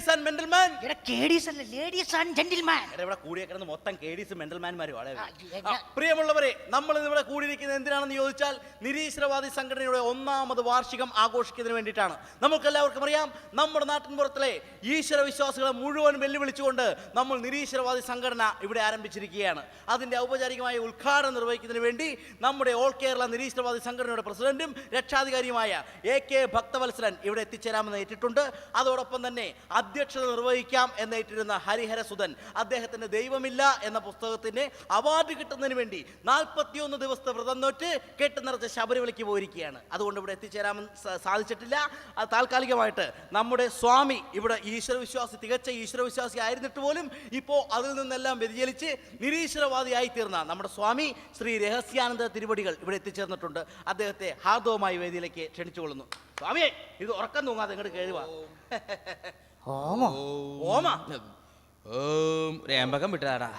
Ladies and മെന്റൽമാൻ. Ladies and gentleman. ഇവിടെ കൂടിയേക്കുന്നത് മൊത്തം കേഡീസ് മെന്റൽമാൻമാരും. പ്രിയമുള്ളവരെ, നമ്മൾ ഇവിടെ കൂടിയിരിക്കുന്നത് എന്തിനാണെന്ന് ചോദിച്ചാൽ നിരീശ്വരവാദി സംഘടനയുടെ 1ാമത് വാർഷികം ആഘോഷിക്കുന്നതിന് വേണ്ടിയിട്ടാണ്. നമുക്കെല്ലാവർക്കും അറിയാം, നമ്മുടെ നാട്ടിൻപുറത്തിലെ ഈശ്വര വിശ്വാസികളെ മുഴുവൻ വെല്ലുവിളിച്ചുകൊണ്ട് നമ്മൾ നിരീശ്വരവാദി സംഘടന ഇവിടെ ആരംഭിച്ചിരിക്കുകയാണ്. അതിന്റെ ഔപചാരികമായ ഉദ്ഘാടനം നിർവഹിക്കുന്നതിന് വേണ്ടി നമ്മുടെ ഓൾ കേരള നിരീശ്വരവാദി സംഘടനയുടെ പ്രസിഡന്റും രക്ഷാധികാരിയുമായ AK ഭക്തവത്സലൻ ഇവിടെ എത്തിച്ചേരാമെന്ന് ഏറ്റിട്ടുണ്ട്. അതോടൊപ്പം തന്നെ അധ്യക്ഷത നിർവഹിക്കാം എന്നേറ്റിരുന്ന ഹരിഹരസുധൻ അദ്ദേഹത്തിന്റെ ദൈവമില്ല എന്ന പുസ്തകത്തിന് അവാർഡ് കിട്ടുന്നതിന് വേണ്ടി 41 ദിവസത്തെ വ്രതം നോറ്റ് കെട്ട് നിറച്ച് ശബരിമലയ്ക്ക് പോയിരിക്കുകയാണ്. അതുകൊണ്ട് ഇവിടെ എത്തിച്ചേരാമെന്ന് സാധിച്ചിട്ടില്ല. അത് താൽക്കാലികമായിട്ട് നമ്മുടെ സ്വാമി ഇവിടെ തികച്ച ഈശ്വരവിശ്വാസി ആയിരുന്നിട്ട് പോലും ഇപ്പോൾ അതിൽ നിന്നെല്ലാം വ്യതിചലിച്ച് നിരീശ്വരവാദിയായി തീർന്ന നമ്മുടെ സ്വാമി ശ്രീ രഹസ്യാനന്ദ തിരുവടികൾ ഇവിടെ എത്തിച്ചേർന്നിട്ടുണ്ട്. അദ്ദേഹത്തെ ഹാർദവമായി വേദിയിലേക്ക് ക്ഷണിച്ചുകൊള്ളുന്നു. സ്വാമിയെ, ഇത് ഉറക്കം തൂങ്ങാതെ ഇങ്ങോട്ട് കേഴുവാ. രേമ്പകം വിട്ടതാടാ.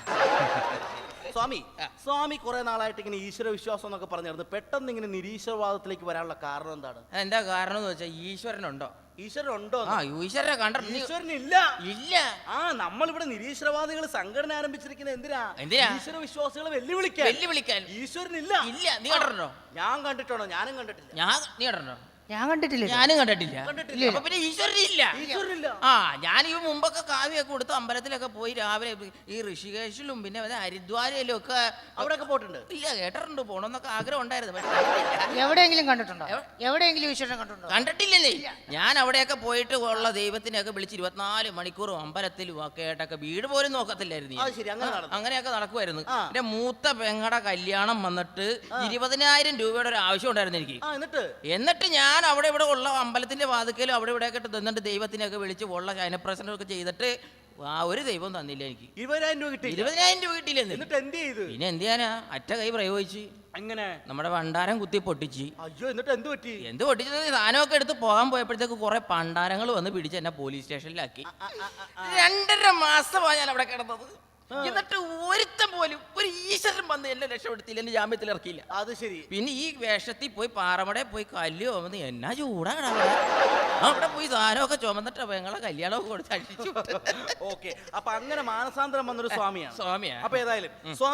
സ്വാമി കുറെ നാളായിട്ട് ഇങ്ങനെ ഈശ്വര വിശ്വാസം എന്നൊക്കെ പറഞ്ഞിരുന്നു. പെട്ടെന്ന് ഇങ്ങനെ നിരീശ്വരവാദത്തിലേക്ക് വരാനുള്ള കാരണം എന്താണ്? എന്താ കാരണം എന്ന് വെച്ചാൽ ഈശ്വരനുണ്ടോ? ഈശ്വരനുണ്ടോ? ഈശ്വരനെ കണ്ടിട്ട് ഈശ്വരനില്ല. ഇല്ല. നമ്മളിവിടെ നിരീശ്വരവാദികൾ സംഘടന ആരംഭിച്ചിരിക്കുന്നത് എന്തിനാ? ഈശ്വര വിശ്വാസികളെ വെല്ലുവിളിക്കാൻ. ഈശ്വരനില്ല. ഇല്ല. നീ കണ്ടിട്ടുണ്ടോ? ഞാൻ കണ്ടിട്ടാണോ? ഞാനും കണ്ടിട്ടില്ല. നീ കണ്ടിട്ടുണ്ടോ? ഞാനും കണ്ടിട്ടില്ല. അപ്പൊ പിന്നെ ഈശ്വരനില്ല. ഞാൻ ഈ മുമ്പൊക്കെ കാവ്യൊക്കെ കൊടുത്ത് അമ്പലത്തിലൊക്കെ പോയി രാവിലെ ഈ ഋഷികേശിലും പിന്നെ ഹരിദ്വാരയിലും ഒക്കെ അവിടെയൊക്കെ പോയിട്ടുണ്ട്. ഇല്ല, കേട്ടിട്ടുണ്ട്, പോണമെന്നൊക്കെ ആഗ്രഹം ഉണ്ടായിരുന്നു. എവിടെയെങ്കിലും കണ്ടിട്ടുണ്ടോ? എവിടെയെങ്കിലും ഈശ്വരനെ കണ്ടിട്ടുണ്ടോ? കണ്ടിട്ടില്ലേ. ഞാൻ അവിടെയൊക്കെ പോയിട്ട് ഉള്ള ദൈവത്തിനെയൊക്കെ വിളിച്ച് 24 മണിക്കൂറും അമ്പലത്തിലും ഒക്കെ ആയിട്ടൊക്കെ വീട് പോലും നോക്കത്തില്ലായിരുന്നു. അങ്ങനെയൊക്കെ നടക്കുമായിരുന്നു. എന്റെ മൂത്ത പെങ്ങടെ കല്യാണം വന്നിട്ട് 20,000 രൂപയുടെ ഒരു ആവശ്യം ഉണ്ടായിരുന്നു എനിക്ക്. എന്നിട്ട് ഞാൻ അവിടെ ഇവിടെ ഉള്ള അമ്പലത്തിന്റെ വാതിക്കലും അവിടെ ഇവിടെ ഒക്കെ തന്നിട്ട് ദൈവത്തിനൊക്കെ വിളിച്ച് ഉള്ള ശയനപ്രസനമൊക്കെ ചെയ്തിട്ട് ഒരു ദൈവം തന്നില്ല എനിക്ക്. 20,000 രൂപ കിട്ടി. 20,000 രൂപ കിട്ടിയില്ല. പിന്നെ എന്ത് ചെയ്യാനാ, അറ്റ കൈ പ്രയോഗിച്ച് അങ്ങനെ നമ്മുടെ ഭണ്ഡാരം കുത്തി പൊട്ടിച്ച്. അയ്യോ, എന്നിട്ട് എന്ത് പറ്റി? സാധനമൊക്കെ എടുത്ത് പോകാൻ പോയപ്പോഴത്തേക്ക് കുറെ പണ്ടാരങ്ങൾ വന്ന് പിടിച്ച് എന്നെ പോലീസ് സ്റ്റേഷനിലാക്കി. 2.5 മാസമാണ് ഞാൻ അവിടെ കിടന്നത്. എന്നിട്ട് ഒരുത്തൻ പോലും ഒരു ഈശ്വരൻ വന്ന് എന്നെ രക്ഷപ്പെടുത്തിയില്ല, എന്നെ ജാമ്യത്തിൽ ഇറക്കിയില്ല. അത് ശരി. പിന്നെ ഈ വേഷത്തിൽ പോയി പാറമടയിൽ പോയി കല്ല് ചുമന്ന് എന്നാ ചൂടാണ് അവിടെ പോയി സാധനമൊക്കെ ചുമന്നിട്ട് ഞങ്ങളെ കല്യാണമൊക്കെ കൊടുത്ത് അടിച്ചു. ഓക്കെ, അപ്പൊ അങ്ങനെ മാനസാന്തരം വന്നൊരു സ്വാമിയാണ്. അപ്പൊ ഏതായാലും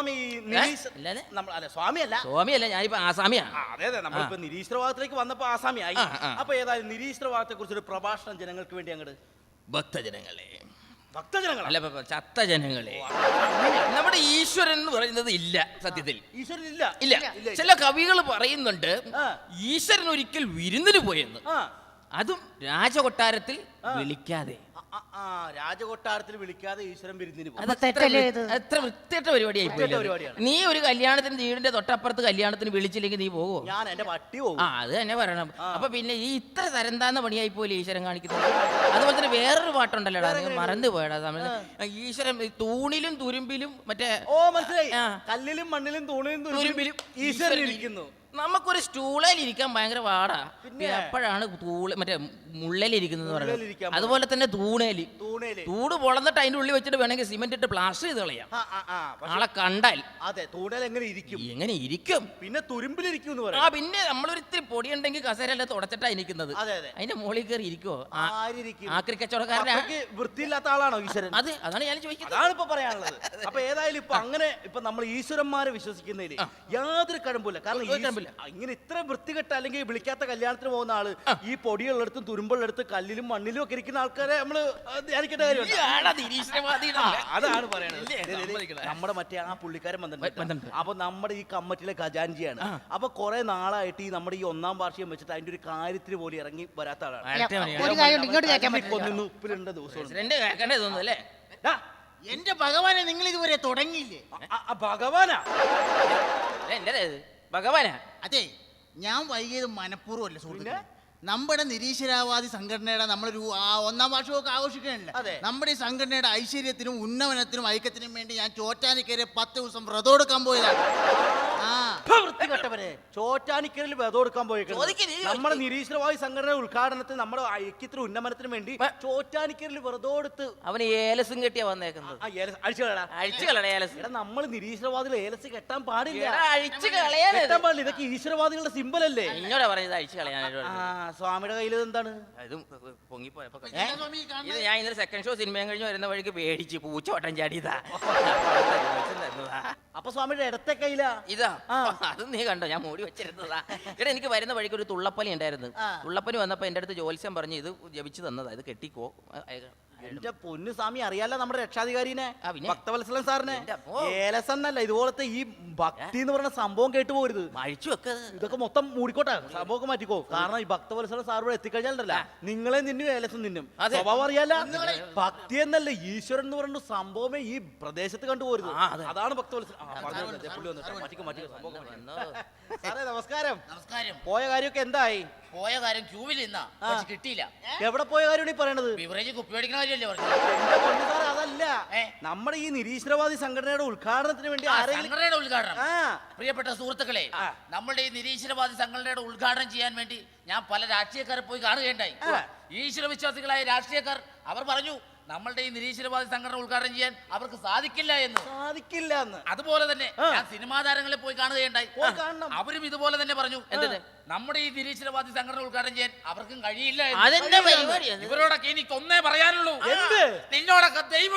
സ്വാമിയല്ല, ഞാനിപ്പോ ആസാമിയാണ്. അതെ, നമ്മളിപ്പോ നിരീശ്വരവാദത്തിലേക്ക് വന്നപ്പോ ആസാമിയായി. അപ്പൊ ഏതായാലും നിരീശ്വരവാദത്തെ കുറിച്ചൊരു പ്രഭാഷണം ജനങ്ങൾക്ക് വേണ്ടി അങ്ങോട്ട്. ഭക്തജനങ്ങളെ, അല്ല ചത്ത ജനങ്ങളെ, നമ്മുടെ ഈശ്വരൻ എന്ന് പറയുന്നത് ഇല്ല. സത്യത്തിൽ ഈശ്വരൻ ഇല്ല. ചില കവികൾ പറയുന്നുണ്ട് ഈശ്വരൻ ഒരിക്കൽ വിരുന്നിന് പോയെന്ന്, അതും രാജകൊട്ടാരത്തിൽ വിളിക്കാതെ. രാജകൊട്ടാരത്തിൽ വിളിക്കാതെ ഈശ്വരൻ വിരുന്നിന് പോകും. എത്ര വൃത്തികെട്ട പരിപാടിയായി പോയി. നീ ഒരു കല്യാണത്തിന് വീടിന്റെ തൊട്ടപ്പുറത്ത് കല്യാണത്തിന് വിളിച്ചില്ലെങ്കിൽ നീ പോകുമോ? ഞാൻ എന്റെ പട്ടി പോകും. അത് തന്നെ പറയണം. അപ്പൊ പിന്നെ ഈ ഇത്ര തരംതാന്ന പണിയായി പോലെ ഈശ്വരൻ കാണിക്കുന്നത്. അതുപോലെ തന്നെ വേറൊരു പാട്ടുണ്ടല്ലോടാ, മറന്നു പോയടാ സമയത്ത്. ഈശ്വരൻ തൂണിലും തുരുമ്പിലും മറ്റേ മനസ്സിലായി, കല്ലിലും മണ്ണിലും തൂണിലും തുരുമ്പിലും ഈശ്വരൻ ഇരിക്കുന്നു. നമുക്കൊരു സ്റ്റൂളിൽ ഇരിക്കാൻ ഭയങ്കര പാടാ. എപ്പോഴാണ് മറ്റേ മുള്ളലിരിക്കുന്നത് പറയുന്നത്. അതുപോലെ തന്നെ തൂണ് പൊളന്നിട്ട് അതിന്റെ ഉള്ളിൽ വെച്ചിട്ട് വേണമെങ്കിൽ സിമെന്റ് ഇട്ട് പ്ലാസ്റ്റർ ചെയ്ത് കളയാം ആളെ കണ്ടാൽ. അതെ, തൂണേൽ എങ്ങനെ ഇരിക്കും? പിന്നെ തുരുമ്പിലിരിക്കും. പിന്നെ നമ്മളൊരിത്തിരി പൊടിയുണ്ടെങ്കിൽ കസേരല്ല തുടച്ചിട്ടാ ഇരിക്കുന്നത്. അതിന്റെ മുകളിൽ കയറി ഇരിക്കുവോ? ആക്രി കച്ചവടക്കാരനെ വൃത്തിയില്ലാത്ത ആളാണോ ഈശ്വരൻ? അതാണ് ഞാൻ ചോദിക്കുന്നത്. അതാണ് ഇപ്പൊ പറയാനുള്ളത്. അപ്പൊ ഏതായാലും ഇപ്പൊ അങ്ങനെ ഇപ്പൊ നമ്മൾ ഈശ്വരന്മാരെ വിശ്വസിക്കുന്നതിൽ യാതൊരു കഴമ്പില്ല. കാരണം ഇങ്ങനെ ഇത്ര വൃത്തികെട്ട അല്ലെങ്കിൽ വിളിക്കാത്ത കല്യാണത്തിന് പോകുന്ന ആള് ഈ പൊടിയുള്ളിടത്തും തുരുമ്പുള്ളിടത്ത് കല്ലിലും മണ്ണിലും ഒക്കെ ഇരിക്കുന്ന ആൾക്കാരെ നമ്മള് ധ്യാനിക്കേണ്ട കാര്യമുണ്ട്. അതാണ് പറയുന്നത്. നമ്മുടെ മറ്റേ ആ പുള്ളിക്കാരൻ വന്നിട്ടുണ്ട്. അപ്പൊ നമ്മുടെ ഈ കമ്മിറ്റിയിലെ ഖജാൻജിയാണ്. അപ്പൊ കുറെ നാളായിട്ട് ഈ നമ്മുടെ ഈ 1ാം വാർഷികം വെച്ചിട്ട് അതിന്റെ ഒരു കാര്യത്തിന് പോലും ഇറങ്ങി വരാത്ത ആളാണ്. ഉപ്പിലുണ്ട ദിവസം എന്റെ ഭഗവാനെ, നിങ്ങൾ ഇതുവരെ തുടങ്ങിയില്ലേ? ഭഗവാനാ? അതെ, ഞാൻ വൈകിയത് മനഃപൂർവ്വമല്ല സുഹൃത്തുക്കളെ. നമ്മുടെ നിരീശ്വരവാദി സംഘടനയുടെ നമ്മളൊരു 1ാം വാർഷികമൊക്കെ ആഘോഷിക്കണില്ല. നമ്മുടെ ഈ സംഘടനയുടെ ഐശ്വര്യത്തിനും ഉന്നമനത്തിനും ഐക്യത്തിനും വേണ്ടി ഞാൻ ചോറ്റാനിക്കരെ 10 ദിവസം വ്രതം എടുക്കാൻ പോയതാണ്. വൃത്തികെട്ടവനെ ചോറ്റാനിക്കലിൽ വെതം എടുക്കാൻ ചോദിക്ക് നീ പോയേക്കുന്നത് നമ്മുടെ നിരീശ്വരവാദി സംഘടന ഉദ്ഘാടനത്തിന് നമ്മുടെ ഐക്യത്തിന് ഉന്നമനത്തിന് വേണ്ടി ചോറ്റാനിക്കലിൽ വെറുതെ എടുത്ത് അവന് ഏലസും കെട്ടിയാ വന്നേക്കുന്നത്. അഴിച്ചു കളടാ. അഴിച്ചു കളയാ ഏലസ്. എടാ നമ്മൾ നിരീശ്വരവാദികൾ ഏലസ് കെട്ടാൻ പാടില്ല. എടാ, അഴിച്ചു കളയാൻ കെട്ടാൻ പാടില്ല. ഇതൊക്കെ ഈശ്വരവാദികളുടെ സിമ്പൽ അല്ലേ? എന്നോടാ പറഞ്ഞത് അഴിച്ചു കളയാനായിട്ട്. സ്വാമിയുടെ കയ്യിൽ എന്താണ്? ഇതും പൊങ്ങിപ്പോയപ്പോ എന്താ സ്വാമി ഈ കാണുന്നത്? ഇത് ഞാൻ ഇന്നലെ സെക്കൻഡ് ഷോ സിനിമയും കഴിഞ്ഞ് വരുന്ന വഴിക്ക് പേടിച്ച് പൂച്ചോട്ടം ചാടിയതാ. അപ്പൊ സ്വാമിയുടെ ഇടത്തെ കയ്യിലാ ഇതാ അത് നീ കണ്ടോ, ഞാൻ മൂടി വെച്ചിരുന്നതാ. ഇവിടെ എനിക്ക് വരുന്ന വഴിക്ക് ഒരു തുള്ളപ്പനി ഉണ്ടായിരുന്നു. തുള്ളപ്പനി വന്നപ്പോ എന്റെ അടുത്ത് ജോത്സ്യം പറഞ്ഞു ഇത് ജപിച്ചു തന്നതാ, ഇത് കെട്ടിക്കോ. എന്റെ പൊന്നു സ്വാമി അറിയാലോ നമ്മുടെ രക്ഷാധികാരിനെ, ആ, പിന്നെ? ഭക്തവത്സലൻ സാറിനെ. എന്റെ അപ്പോ. ഏലസ് എന്നല്ല ഇതുപോലത്തെ ഈ ഭക്തി എന്ന് പറയുന്ന സംഭവം കേട്ടു പോകരുത്. അഴിച്ചു വെക്കത്. ഇതൊക്കെ മൊത്തം മൂടിക്കോട്ടെ, സംഭവമൊക്കെ മാറ്റിക്കോ. കാരണം ഈ ഭക്തവത്സലൻ സാർ ഇവിടെ എത്തിക്കഴിഞ്ഞാലല്ല നിങ്ങളെ നിന്നും ഏലസും നിന്നും അതെ. സ്വഭാവം അറിയാല. ഭക്തി എന്നല്ല ഈശ്വരൻ എന്ന് പറയുന്ന സംഭവമേ ഈ പ്രദേശത്ത് കണ്ടുപോരുത്. അതാണ് ഭക്തവത്സലൻ. സാറേ നമസ്കാരം. നമസ്കാരം. പോയ കാര്യമൊക്കെ എന്തായി? പോയ കാര്യം ക്യൂവിൽ നിന്നാ പക്ഷെ കിട്ടിയില്ല. എവിടെ പോയ കാര്യമാണ് ഈ പറയണത്? ബിവറേജ് കുപ്പി മേടിക്കണ കാര്യമല്ലേ പറഞ്ഞത്? എന്റെ പൊന്നു സാറേ അതല്ല, ഏ? നമ്മുടെ ഈ നിരീശ്വരവാദി സംഘടനയുടെ ഉദ്ഘാടനത്തിന് വേണ്ടി ആരെങ്കിലും സംഘടനയുടെ ഉദ്ഘാടനം. ആ. പ്രിയപ്പെട്ട സുഹൃത്തുക്കളെ, നമ്മുടെ ഈ നിരീശ്വരവാദി സംഘടനയുടെ ഉദ്ഘാടനം ചെയ്യാൻ വേണ്ടി ഞാൻ പല രാഷ്ട്രീയക്കാരെ പോയി കാണുകയുണ്ടായി. ഈശ്വര വിശ്വാസികളായ രാഷ്ട്രീയക്കാർ അവർ പറഞ്ഞു നമ്മളുടെ ഈ നിരീശ്വരവാദി സംഘടന ഉദ്ഘാടനം ചെയ്യാൻ അവർക്ക് സാധിക്കില്ല എന്ന്. സാധിക്കില്ല എന്ന്. അതുപോലെ തന്നെ ഞാൻ സിനിമാ താരങ്ങളെ പോയി കാണുകയുണ്ടായി. കാണണം. അവരും ഇതുപോലെ തന്നെ പറഞ്ഞു നമ്മുടെ ഈ നിരീശ്വരവാദി സംഘടന ഉദ്ഘാടനം ചെയ്യാൻ അവർക്കും കഴിയില്ല എന്ന്. അതെന്താ പരിപാടി? ഇവരോടൊക്കെ എനിക്ക് ഒന്നേ പറയാനുള്ളൂ, എന്ത്? നിന്നോടൊക്കെ ദൈവം